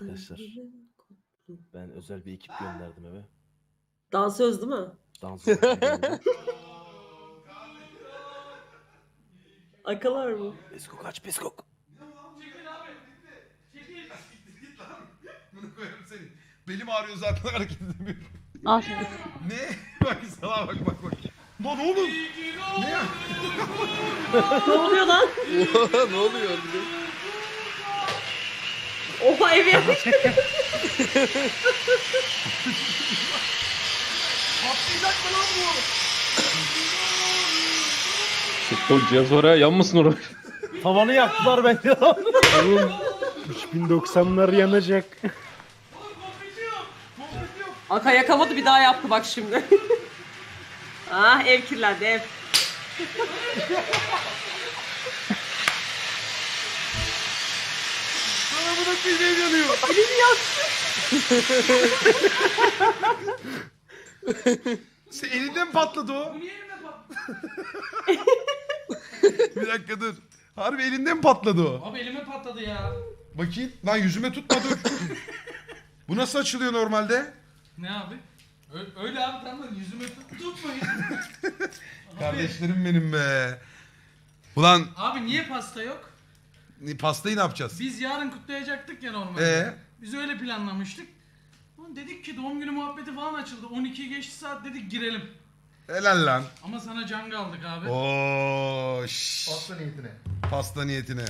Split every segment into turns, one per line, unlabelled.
Arkadaşlar ben özel bir ekip gönderdim eve.
Dansöz değil mi?
Dans geldi.
Akalar mı?
Peskok aç peskok.
Bunu koyarım senin. Belim ağrıyor zaten hareket edemiyorum.
Al.
Ne? Bak sana bak. Lan oğlum. Ne ya?
Ne oluyor lan?
Ne oluyor orada?
Oha evi yapmış.
Patlayacak mı lan bu?
O cihaz oraya yanmasın oraya.
Tavanı yaktılar bence.
Oğlum 3090'lar yanacak.
Aka yakamadı bir daha yaptı bak şimdi. Ah ev kirlendi ev.
Sana bu da bir yanıyor.
Elini yaktı.
Sen elinden mi patladı o? Bir dakika dur. Harbi elinden mi patladı o?
Abi elime patladı ya.
Bakayım. Lan yüzüme tutma dur. Bu nasıl açılıyor normalde?
Ne abi? Öyle abi tamam yüzüme tutmayın.
Kardeşlerim benim be. Ulan
Abi niye pasta yok?
pastayı ne yapacağız?
Biz yarın kutlayacaktık ya normalde.
Ee?
Biz öyle planlamıştık. Ulan dedik ki doğum günü muhabbeti falan açıldı. 12'yi geçti saat dedik girelim.
Helal lan.
Ama sana can aldık abi.
Oo, Pasta niyetine. Pasta niyetine.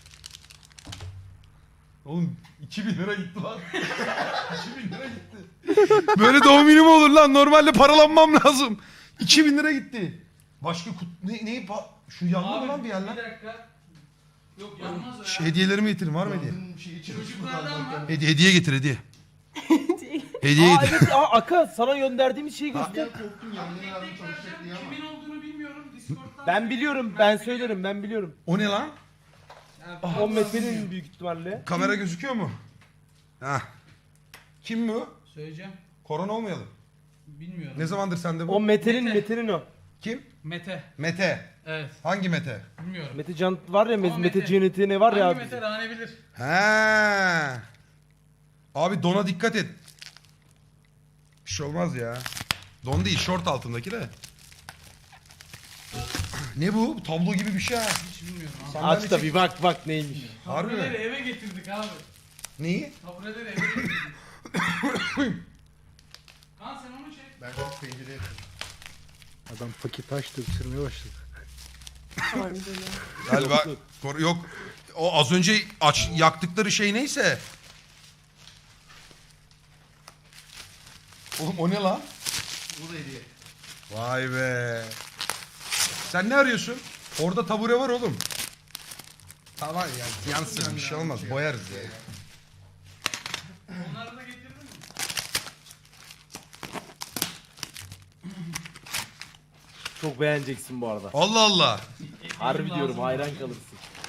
Oğlum 2000 lira gitti lan. 2000 lira gitti. Böyle doğum günü mü olur lan? Normalde paralanmam lazım. 2000 lira gitti. Başka şu yandı mı lan bir yer lan?
Bir dakika. Yok yanmaz o
Şu
ya.
hediyelerimi getirin var mı hediye?
Çocuklardan mı?
Hediye getir hediye. Hediye
Aa
getir.
evet Aka sana gönderdiğimiz şeyi göster.
Kimin olduğunu bilmiyorum. Discord'dan.
Ben biliyorum ben söylerim ben biliyorum.
O ne lan?
Yani
10 metrenin büyük ihtimalle.
Kamera gözüküyor mu? Hah. Kim bu?
Söyleyeceğim.
Korona olmayalım.
Bilmiyorum.
Ne zamandır sende bu?
O Mete'nin
Mete.
Mete'nin o.
Kim?
Mete.
Mete.
Evet.
Hangi Mete?
Bilmiyorum.
Mete Can var ya
Ama
Mete
Mete.
Cennet'i ne var ya
Hangi
abi.
Mete Rane bilir.
He. Abi dona dikkat et. Bir şey olmaz ya. Don değil, şort altındaki de. Ne bu? Tablo gibi bir şey ha.
Hiç bilmiyorum abi.
Sandalye
Aç da
çek-
bir bak neymiş.
Harbi
Tabureleri
mi?
eve getirdik abi.
Neyi?
Tabureleri eve getirdik. Lan sen onu çek.
Adam paket açtı, ısırmaya başladı.
Galiba yok. O az önce yaktıkları şey neyse. Oğlum o ne lan? Bu da hediye. Vay be. Sen ne arıyorsun? Orada tabure var oğlum. Tamam ya yansın bir şey olmaz. Boyarız ya.
Onları da getirdin mi?
Çok beğeneceksin bu arada.
Allah Allah.
Harbi diyorum hayran kalırsın.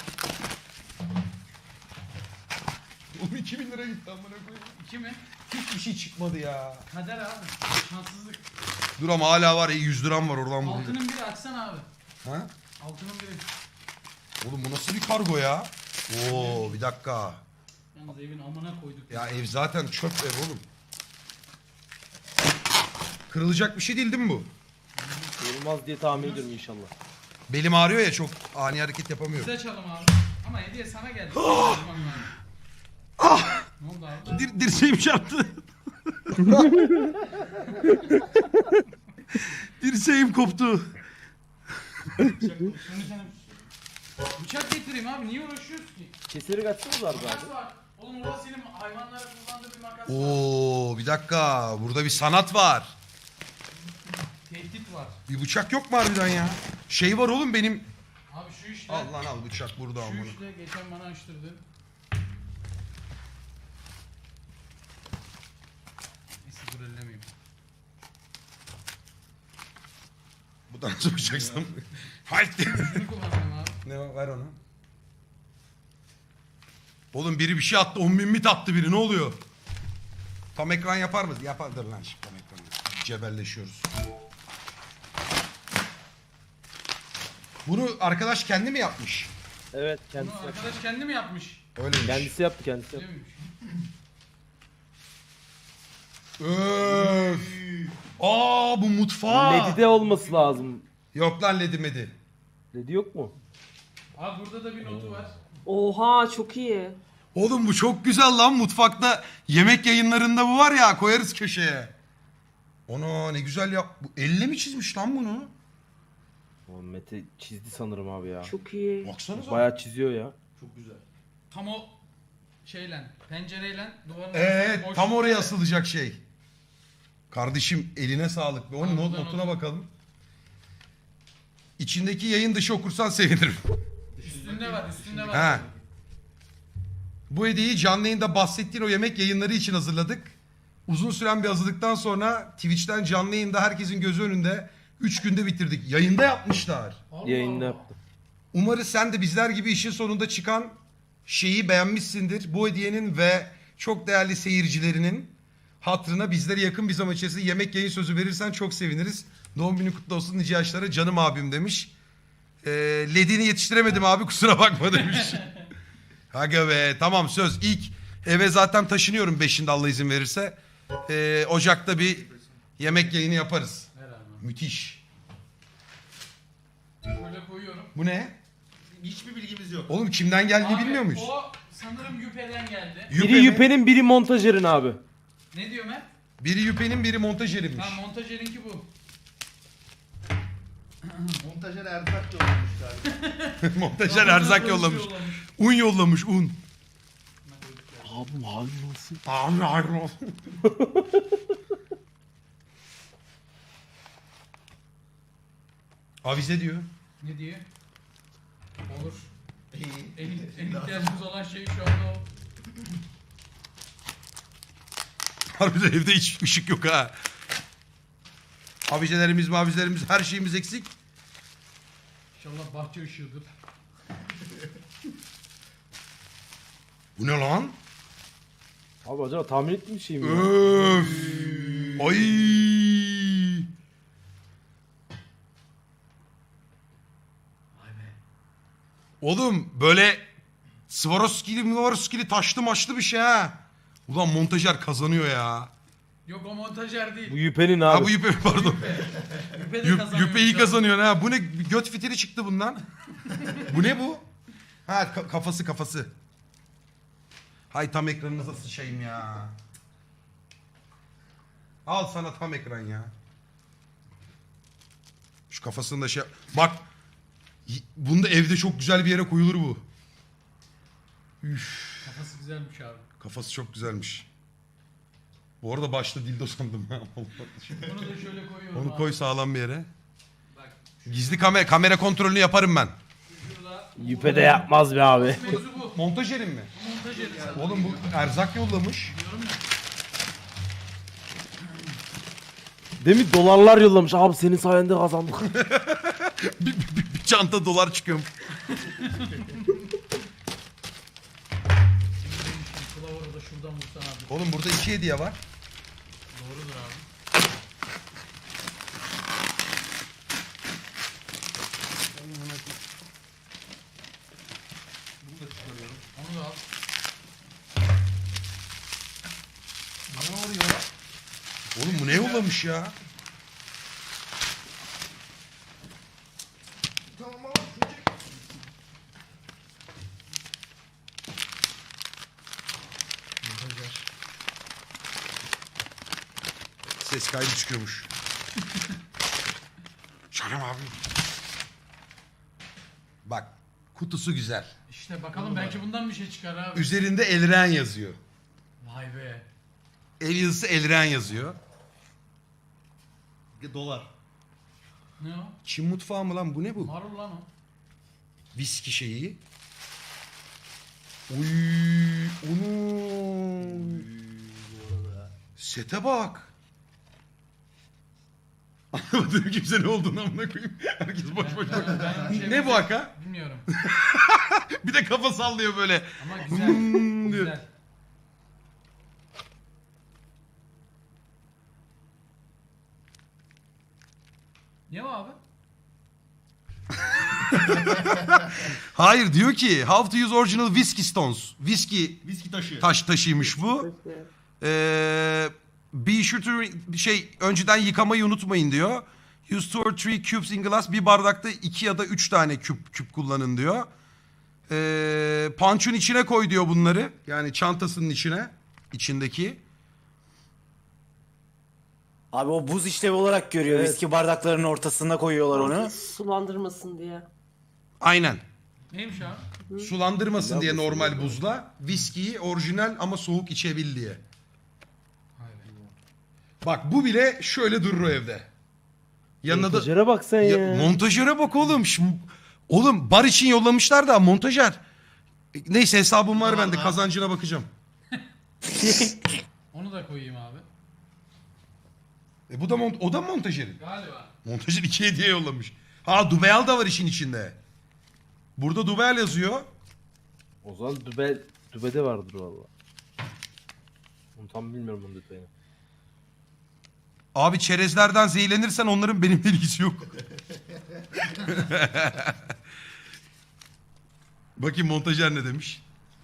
Oğlum 2000 lira gitti amına koyayım.
2 mi?
Hiçbir şey çıkmadı ya.
Kader abi. Şanssızlık.
Dur ama hala var 100 liram var oradan buraya.
Altının biri açsana abi.
Ha?
Altının biri.
Oğlum bu nasıl bir kargo ya? Oo bir dakika.
Yalnız evin amına koyduk.
Ya ev zaten çöp ev oğlum. Kırılacak bir şey değil mi bu?
Olmaz diye tahmin ediyorum inşallah.
Belim ağrıyor ya çok ani hareket yapamıyorum.
Biz açalım abi. Ama hediye sana geldi. Ne oldu abi?
Dirseğim çarptı. Dirseğim koptu.
Bıçak getireyim abi. Niye uğraşıyorsun ki?
Keseri kaçsanız var
Makas
abi.
var. Oğlum orada senin hayvanlara kullandığı bir makas var.
Oo bir dakika burada bir sanat var.
Tehdit var.
Bir bıçak yok mu harbiden ya? Şey var oğlum benim.
Abi şu işte.
Al lan al bıçak burada
Şu
amına.
işte geçen bana açtırdı. Neyse dur ellemeyeyim.
Bu da nasıl bıçaksam? Haydi.
Şunu kullanacağım abi.
Ne var ver onu. Oğlum biri bir şey attı 10.000 mit attı biri ne oluyor? Tam ekran yapar mı? Yapardır lan şimdi tam ekran. Cebelleşiyoruz. Bunu arkadaş kendi mi yapmış?
Evet
Bunu
kendisi yaptı.
arkadaş kendi mi yapmış?
Öyleymiş.
Kendisi yaptı kendisi yaptı.
Öyleymiş.
Öf. Aa bu mutfağı.
Ledide olması lazım.
Yok lan ledi medi.
Ledi yok mu?
Abi burada da bir notu var.
Oha çok iyi.
Oğlum bu çok güzel lan mutfakta. Yemek yayınlarında bu var ya koyarız köşeye. Ona ne güzel yap. Bu elle mi çizmiş lan bunu?
O Mete çizdi sanırım abi ya.
Çok iyi.
Baksanıza.
Bayağı çiziyor ya.
Tam o şeyle, pencereyle duvarın
Evet
boş-
tam oraya asılacak şey. Kardeşim eline sağlık. Onun
Tamam, buradan
notuna
not.
bakalım. İçindeki yayın dışı okursan sevinirim.
Üstünde var, üstünde var.
Ha. Bu hediyeyi canlı yayında bahsettiğin o yemek yayınları için hazırladık. Uzun süren bir hazırlıktan sonra Twitch'ten canlı yayında herkesin gözü önünde 3 günde bitirdik. Yayında yapmışlar.
Allah
Yayında
Allah.
yaptı.
Umarız sen de bizler gibi işin sonunda çıkan şeyi beğenmişsindir. Bu hediyenin ve çok değerli seyircilerinin hatırına bizlere yakın bir zaman içerisinde yemek yayın sözü verirsen çok seviniriz. Doğum günü kutlu olsun nice yaşlara canım abim demiş. Ledini yetiştiremedim abi kusura bakma demiş. Aga be tamam söz ilk eve zaten taşınıyorum 5'inde Allah izin verirse. Ocak'ta bir yemek yayını yaparız.
Herhalde.
Müthiş.
Böyle koyuyorum.
Bu ne?
Hiçbir bilgimiz yok.
Oğlum kimden geldiğini
Abi,
bilmiyor muyuz?
O sanırım Yüpe'den geldi.
Yüpe
Biri
mi?
Yüpe'nin biri montajerin abi.
Ne diyor Mert?
Biri Yüpe'nin biri montajerinmiş.
Ha montajerinki bu.
Montajer erzak yollamış galiba.
Montajer erzak yollamış. Un yollamış un.
Abi hayır olsun.
Abi hayır olsun. Avize diyor.
Ne diyor? Olur.
İyi.
En ihtiyacımız olan şey şu anda o.
Harbiden evde hiç ışık yok ha. Avizelerimiz mavizelerimiz her şeyimiz eksik.
İnşallah bahçe ışığıdır.
Bu ne lan?
Abi acaba tahmin ettiğim şey mi ya?
Öf. Ay. Oğlum böyle Swarovski'li taşlı maçlı bir şey ha. Ulan montajer kazanıyor ya.
Yok o montajer değil.
Bu Yüpe'nin
Ha
abi.
bu Yüpe pardon.
Yüpe de kazanıyor.
Yüpe iyi kazanıyor ha. Bu ne göt fitili çıktı bundan. Bu ne bu? Ha kafası. Hay tam ekranınıza sıçayım ya. Al sana tam ekran ya. Şu kafasını da şey... Bak. Bunda evde çok güzel bir yere koyulur bu.
Kafası güzelmiş abi.
Kafası çok güzelmiş. Bu arada başta dildo sandım.
Bunu da şöyle koyuyorum
Onu
abi.
koy sağlam bir yere.
Bak
Gizli kamera kontrolünü yaparım ben.
şurada.
Yüpe de yapmaz be abi.
Mevzu bu.
Montajerim mi?
Montajeri zaten.
Oğlum bu erzak yollamış.
Diyorum ya.
Demin dolarlar yollamış. Abi senin sayende kazandık.
Bir çanta dolar çıkıyor.
Kılavuru da şuradan vursan abi.
Oğlum burada 2 hediye var.
Doğrudur abi. Onu da al.
Ne oluyor? Oğlum bu ne yollamış ya?
Tamam ama çocuk.
Ses kaydı çıkıyormuş. Canım abi. Bak kutusu güzel.
İşte bakalım belki bundan bir şey çıkar abi.
Üzerinde Elren yazıyor.
Vay be.
El yazısı Elren yazıyor.
Dolar.
Ne o?
Çin mutfağı mı lan bu ne bu?
Marul lan o.
Viski şeyi. Uy, onu. Sete bak. Anlamadım kimse ne olduğunu amına koyayım. Herkes boş boş bakıyor.
Ben bir şey
Ne bu haka?
Bilmiyorum.
Bir de kafa sallıyor böyle.
Ama güzel.
Hmm diyor.
Güzel. Ne o abi?
Hayır diyor ki how to use original whiskey stones. Whiskey
Viski taşı.
taşıymış bu. Be sure to önceden yıkamayı unutmayın diyor. Use 2 or 3 cubes in glass. Bir bardakta 2 ya da 3 tane küp kullanın diyor. Punch'un içine koy diyor bunları. Yani çantasının içine. İçindeki.
Abi o buz işlevi olarak görüyor.
Evet.
Viski bardaklarının ortasına koyuyorlar onu.
Sulandırmasın diye.
Aynen.
Neymiş abi?
Sulandırmasın diye normal buzla. Viskiyi orijinal ama soğuk içebil diye. Bak bu bile şöyle durur o evde. Yanına da...
Montajere bak sen ya.
Montajöre bak oğlum. Oğlum bar için yollamışlar da montajer. Neyse hesabım var bende, kazancına bakacağım.
Onu da koyayım abi.
Bu da o da montajerin.
Galiba.
Montajer 2 hediye yollamış. Ha Dubeyal da var işin içinde. Burada Dubeyal yazıyor.
O zaman dübede vardır valla. Onu tam bilmiyorum bunun detayını.
Abi çerezlerden zehirlenirsen onların benimle ilgisi yok. Bakayım montajer ne demiş.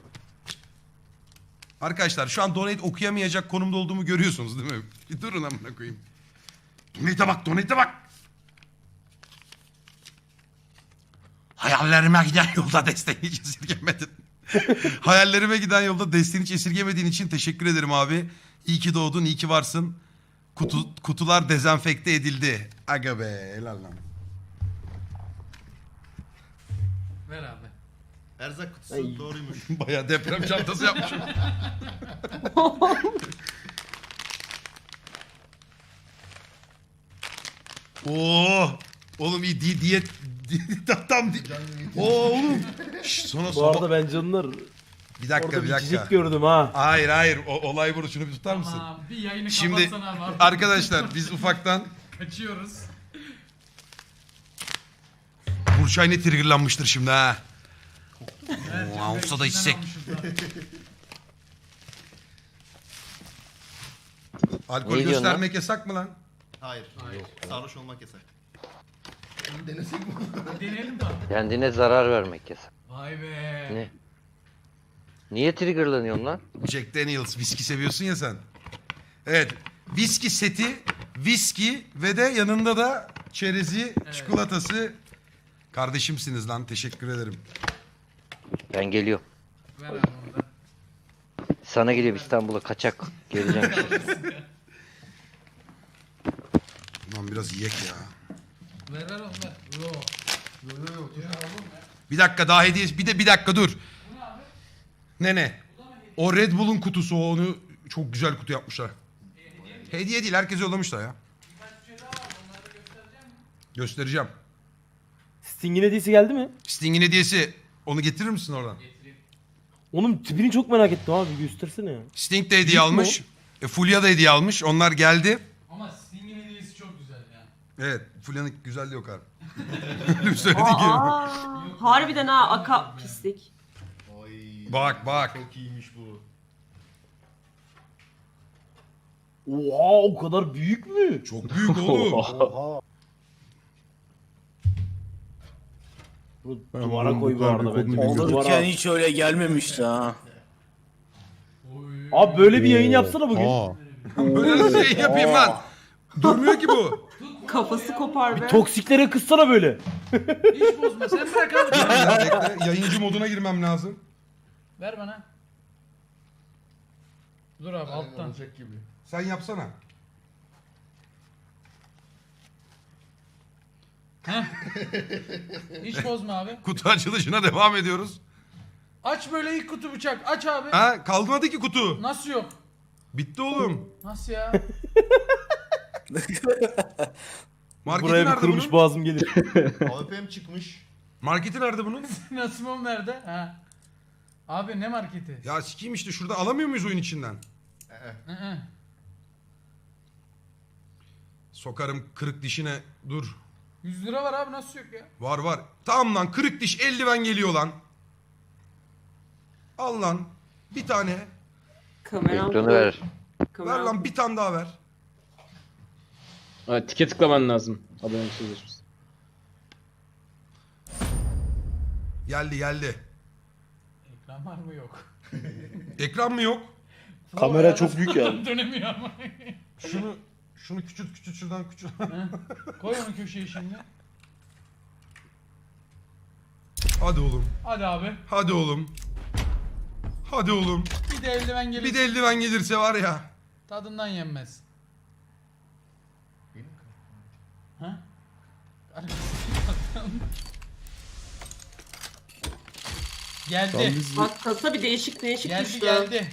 Arkadaşlar şu an donate okuyamayacak konumda olduğumu görüyorsunuz değil mi? Bir durun amına koyayım. Donate'e bak. Hayallerime giden yolda desteğini hiç esirgemedin. Hayallerime giden yolda desteğini hiç esirgemediğin için teşekkür ederim abi. İyi ki doğdun, iyi ki varsın. Kutular dezenfekte edildi. Aga be, helal lan.
Ver abi.
Erzak kutusu doğruymuş.
Bayağı deprem çantası yapmışım. Oo, oğlum iyi diyet tam oğlum. Şş, sonra
Bu arada ben canlar
bir dakika
orada
bir
bir
dakika.
çizik gördüm ha.
Hayır olay burada, şunu bir tutar mısın?
Tamam bir yayını
Şimdi
kapatsana abi.
arkadaşlar biz ufaktan
Kaçıyoruz.
Burçay ne triggerlanmıştır şimdi ha.
Evet,
Oo, olsa da içsek. Alkol
Ne diyorsun
göstermek yasak mı lan?
Hayır. Sarhoş olmak yasak. Bunu denesek mi?
Deneyelim tabii.
Kendine zarar vermek yasak.
Vay be.
Ne? Niye triggerlanıyorsun lan?
Jack Daniels viski seviyorsun ya sen. Evet. Viski seti, viski ve de yanında da çerezi, çikolatası. Kardeşimsiniz lan. Teşekkür ederim.
Ben geliyorum.
Ver abi onu da.
Sana geliyorum İstanbul'a kaçak. Geleceğim.
Lan biraz yiyek ya.
Ver onu ver. Yo.
Bir dakika daha hediye. Bir dakika dur. Ne? O Red Bull'un kutusu, onu çok güzel kutu yapmışlar. Hediye değil, herkese yollamışlar ya. Göstereceğim.
Sting'in hediyesi geldi mi?
Sting'in hediyesi. Onu getirir misin oradan?
Onun tipini çok merak ettim abi, göstersene ya.
Sting de hediye
Büyük mü
almış. Fulya da hediye almış. Onlar geldi.
Ama Sting'in hediyesi çok güzel ya.
Evet. Fulya'nın güzelliği yok abi. Öyle bir söyledi ki.
Harbiden ha, aka pislik.
Oy.
Bak.
Çok iyiymiş bu.
Oha, o kadar büyük mü?
Çok büyük oğlum.
Oha.
Bunu duvara koy bu arada bence.
Olurken hiç öyle gelmemişti ha.
Abi böyle bir yayın yapsana bugün.
Böyle nasıl yayın yapayım lan? Durmuyor ki bu.
Kafası kopar be.
Toksiklere kızsana böyle.
Hiç bozma sen bırak abi.
Bekle, yayıncı moduna girmem lazım.
Ver bana. Dur abi alttan.
Olacak gibi.
Sen yapsana.
Hiç bozma abi.
Kutu açılışına devam ediyoruz.
Aç böyle ilk kutu bıçak. Aç abi.
Ha, kalmadı ki kutu.
Nasıl yok?
Bitti oğlum.
Nasıl ya?
Marketi
Buraya bir
nerede
kırmış
bunun?
boğazım gelir.
AWP'm çıkmış.
Marketi nerede bunun?
Nasıl mı nerede? Ha. Abi ne marketi?
Ya sikiyim işte, şurada alamıyor muyuz oyun içinden?
Hı.
Sokarım kırık dişine. Dur.
100 lira var abi nasıl yok ya?
Var. Tamam lan, kırık diş eldiven geliyor lan. Al lan. Bir tane.
Kameram.
Ekranı ver.
Ver lan, bir tane daha ver.
Ha, tike tıklaman lazım. Abonelik sözleşmesi.
Geldi.
Ekran var mı yok?
Ekran mı yok?
Kamera çok büyük ya.
Dönemiyor ama.
Şunu küçült şuradan küçült.
Koy onu köşeye şimdi.
Hadi oğlum.
Hadi abi.
Hadi oğlum. Hadi oğlum.
Bir de eldiven gelir.
Bir de eldiven gelirse var ya.
Tadından yenmez. Ha? Geldi.
Bak kasa bir değişik
Geldi
düştü.
geldi.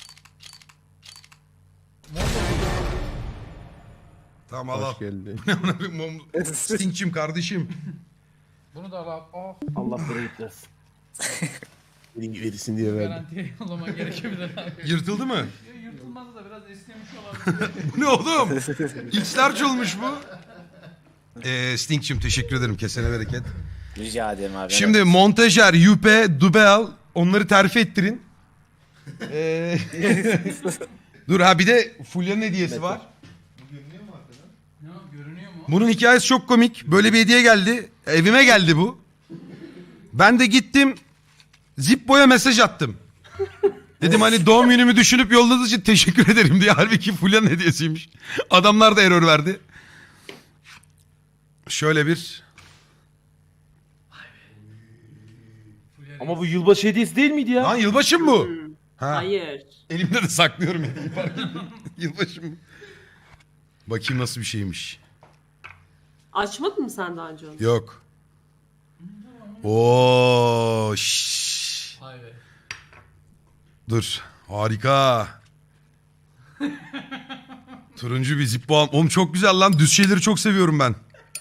Tamam al al.
Hoş geldi.
Stingçim kardeşim.
Bunu da al abi. Oh,
Allah bereket versin.
Verirsin diye verdim.
garantiye yollama gerekebilir abi.
Yırtıldı mı?
Yırtılmazdı da biraz esnemiş olabilir.
Bu ne oğlum? X-large olmuş bu. Stingçim teşekkür ederim. Kesene bereket.
Rica ederim abi.
Şimdi montajer, yüpe, dubel onları terfi ettirin. Dur ha bir de Fulya'nın hediyesi var.
Ne o, görünüyor mu?
Bunun hikayesi çok komik. Böyle bir hediye geldi. Evime geldi bu. Ben de gittim Zippo'ya mesaj attım. Dedim hani doğum günümü düşünüp yolladığınız için teşekkür ederim diye. Halbuki Fulya'nın hediyesiymiş. Adamlar da error verdi. Şöyle bir...
Ama bu yılbaşı hediyesi değil miydi ya?
Lan yılbaşı mı bu? Ha.
Hayır.
Elimde de saklıyorum hediyeyi fark ettim. Yılbaşı mı? Bakayım nasıl bir şeymiş.
Açmadın mı sen daha önce onu?
Yok. Oo, şşş.
Vay be.
Dur. Harika. Turuncu bir Zippo. Oğlum çok güzel lan. Düz şeyleri çok seviyorum ben.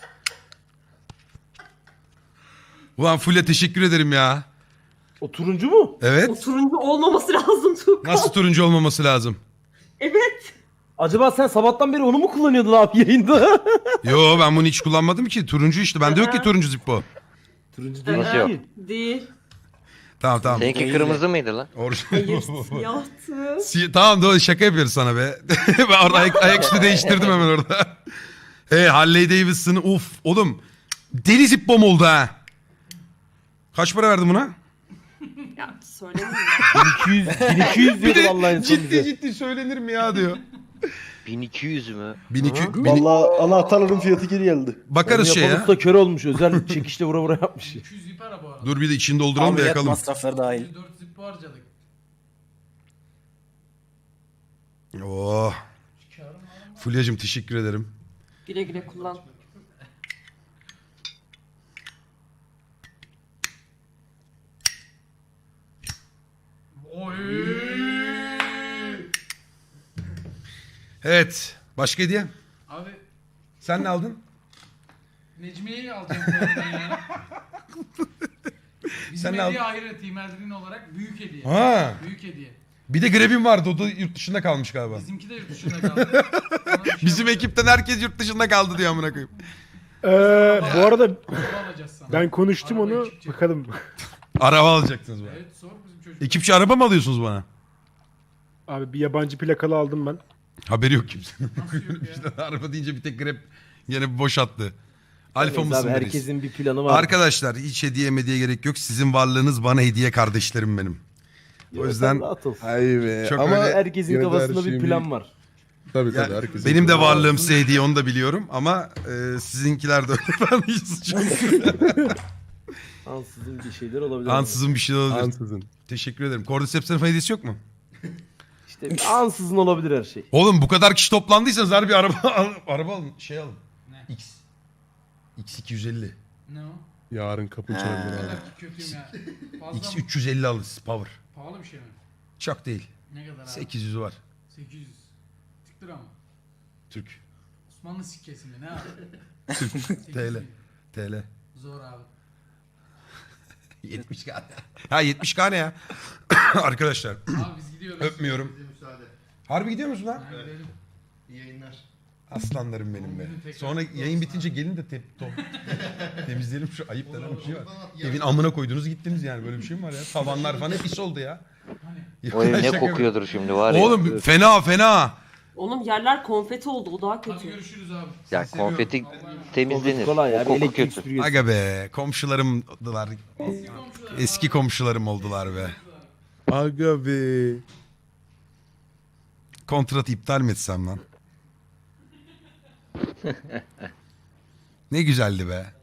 Ulan Fulya teşekkür ederim ya.
O turuncu mu?
Evet.
O turuncu olmaması lazım Tuğkan.
Nasıl turuncu olmaması lazım?
Evet.
Acaba sen sabahtan beri onu mu kullanıyordun abi yayında?
Yo ben bunu hiç kullanmadım ki. Turuncu işte. Bende yok ki turuncu Zippo.
Turuncu değil
Nasıl yok?
ki.
Değil.
Tamam tamam.
Seninki kırmızı mıydı lan?
Hayır siyahtı.
Tamam doğru şaka yapıyoruz sana be. Ben orada ayaküstü değiştirdim hemen orada. Harley Davidson'ı oğlum deli Zippo'm oldu ha. Kaç para verdin buna?
Ya söylemeyeyim
1200 diyordu vallahi en son bize.
ciddi söylenir mi ya diyor.
1200 mü?
1200.
Vallahi anahtarların fiyatı geri geldi.
Bakarız şey ya.
Yapan usta kör olmuş. Özel çekişle vura vura yapmış.
200 zip ara bu arada.
Dur bir de içini dolduralım da
Ameliyat
yakalım.
masrafları dahil.
4 zip harcadık.
Oh. Fulya'cığım teşekkür ederim.
Güle güle kullan.
Oy.
Evet. Başka hediye?
Abi
Sen ne aldın?
Necmiye'yi alacağım bu arada ya. Bizim
Sen ne
hediye ahiret Erdin olarak büyük hediye.
Ha.
Büyük hediye.
Bir de Grebin vardı. O da yurt dışında kalmış galiba.
Bizimki de yurt dışında kaldı. Ona bir şey
Bizim
yapacağız.
ekipten herkes yurt dışında kaldı diyor amına koyayım.
Bu arada
Araba alacağız sana.
ben konuştum
Araba
onu.
ekipçi.
Bakalım.
Araba alacaksınız bana.
Evet sor bizim çocuk.
Ekipçi araba mı alıyorsunuz bana?
Abi bir yabancı plakalı aldım ben.
Haberi yok kimsenin.
Nasıl yok ya?
İşte araba deyince bir tek Grab yine boş attı. Alfa
Neyse
mısın
abi,
reis?
herkesin bir planı var.
Arkadaşlar hiç hediye gerek yok. Sizin varlığınız bana hediye kardeşlerim benim. O yüzden
Rahat ol.
Hayır be.
Çok
Ama
öyle-
Herkesin
yine de her
kafasında bir
şeyin
plan var.
Tabii
Ya,
tabii herkesin.
benim de varlığım size hediye onu da biliyorum ama sizinkiler de öyle. Ben hiç suçum yok.
Ansızın bir şeyler olabilir.
Ansızın bir şey olabilir.
Ansızın.
Teşekkür ederim. Cordyceps'in hediyesi yok mu?
İşte ansızın olabilir her şey.
Oğlum bu kadar kişi toplandıysanız harbi araba araba alın. Şey alın.
Ne?
X. X250.
Ne o?
Yarın kapı
Ne
çalabilir abi.
kadar ki kötüyüm ya. Fazla mı?
X350 alırız power.
Pahalı bir şey mi?
Çok değil.
Ne kadar abi?
800'ü var.
800. Tık lira mı?
Türk.
Osmanlı sikkesi mi? Ne abi?
TL. TL.
Zor abi.
70k. Ha 70k ne ya? Arkadaşlar
Abi biz gidiyoruz.
öpmüyorum.
Bize müsaade.
Harbi gidiyor musun lan?
Ha, gidelim.
İyi yayınlar.
Aslanlarım benim be.
Bugün tekrar
Sonra
kutlu
yayın
olsun
bitince gelin de temizleyelim şu ayıp denen bir şey var.
Olur.
Evin amına koydunuz gittiniz yani böyle bir şey mi var ya? Tavanlar falan hep pis oldu ya.
O ev ne
Şaka
kokuyordur şimdi var ya.
Oğlum fena fena.
Oğlum yerler konfeti oldu o daha
Hadi
kötü.
görüşürüz abi.
Ya konfeti temizlenir.
Kolay
O
abi
koku
elektrik
kötü.
süpürgesi.
Aga be komşularım oldular. Eski komşularım oldular be.
Aga be.
Kontratı iptal mi etsem lan? Ne güzeldi be.